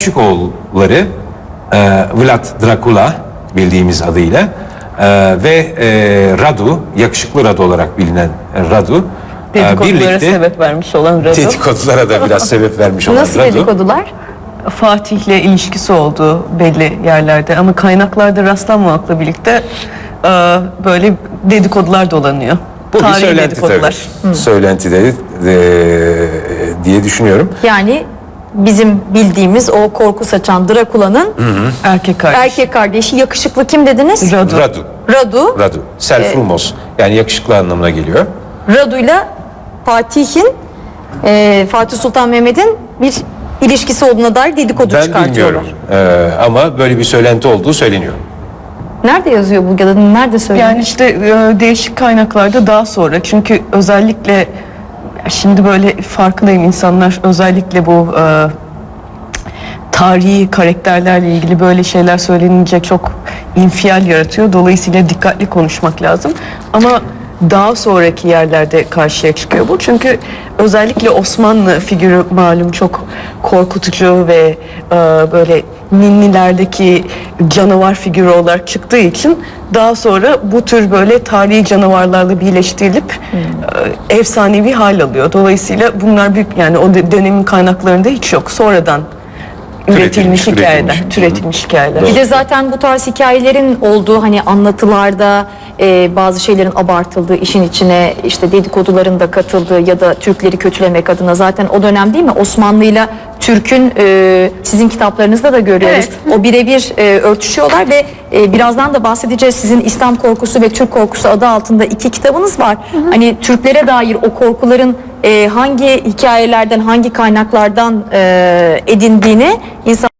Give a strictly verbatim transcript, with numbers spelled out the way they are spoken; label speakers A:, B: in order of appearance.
A: küçük oğulları e, Vlad Dracula bildiğimiz adıyla e, ve e, Radu, yakışıklı Radu olarak bilinen Radu e,
B: Dedikodulara sebep vermiş olan Radu.
A: Dedikodulara da biraz sebep vermiş olan
C: Nasıl
A: Radu.
C: dedikodular?
B: Fatih'le ilişkisi olduğu belli yerlerde ama kaynaklarda rastlanmamakla birlikte e, böyle dedikodular dolanıyor.
A: Bu bir
B: Tarihi
A: söylenti
B: dedikodular.
A: tabii. Söylenti de, de diye düşünüyorum.
C: Yani bizim bildiğimiz o korku saçan Drakula'nın
B: Erkek kardeş.
C: erkek kardeşi yakışıklı kim dediniz?
B: Radu.
A: Radu.
C: Radu.
A: Radu. Selfrumos. Yani yakışıklı anlamına geliyor.
C: Radu'yla Fatih'in e, Fatih Sultan Mehmet'in bir ilişkisi olduğuna dair dedikodu
A: Ben
C: çıkartıyorlar.
A: bilmiyorum. Ee, ama böyle bir söylenti olduğu söyleniyor.
C: Nerede yazıyor bu ya da nerede söylüyor?
B: Yani işte e, değişik kaynaklarda daha sonra, çünkü özellikle ya şimdi böyle farkındayım, insanlar özellikle bu e, tarihi karakterlerle ilgili böyle şeyler söylenince çok infial yaratıyor. Dolayısıyla dikkatli konuşmak lazım. Ama daha sonraki yerlerde karşıya çıkıyor bu. Çünkü özellikle Osmanlı figürü malum çok korkutucu ve e, böyle ninnilerdeki canavar figürü olarak çıktığı için daha sonra bu tür böyle tarihi canavarlarla birleştirilip e, efsanevi hal alıyor. Dolayısıyla bunlar büyük, yani o dönemin kaynaklarında hiç yok. Sonradan üretilmiş,
A: Türetilmiş,
B: hikayeler,
A: üretilmiş.
B: türetilmiş hikayeler.
C: Bir de zaten bu tarz hikayelerin olduğu hani anlatılarda e, bazı şeylerin abartıldığı, işin içine işte dedikoduların da katıldığı ya da Türkleri kötülemek adına zaten o dönem değil mi Osmanlı'yla Türk'ün e, sizin kitaplarınızda da görüyoruz. O birebir e, örtüşüyorlar ve e, birazdan da bahsedeceğiz. Sizin İslam Korkusu ve Türk Korkusu adı altında iki kitabınız var. Hani Türklere dair o korkuların e, hangi hikayelerden, hangi kaynaklardan e, edindiğini insan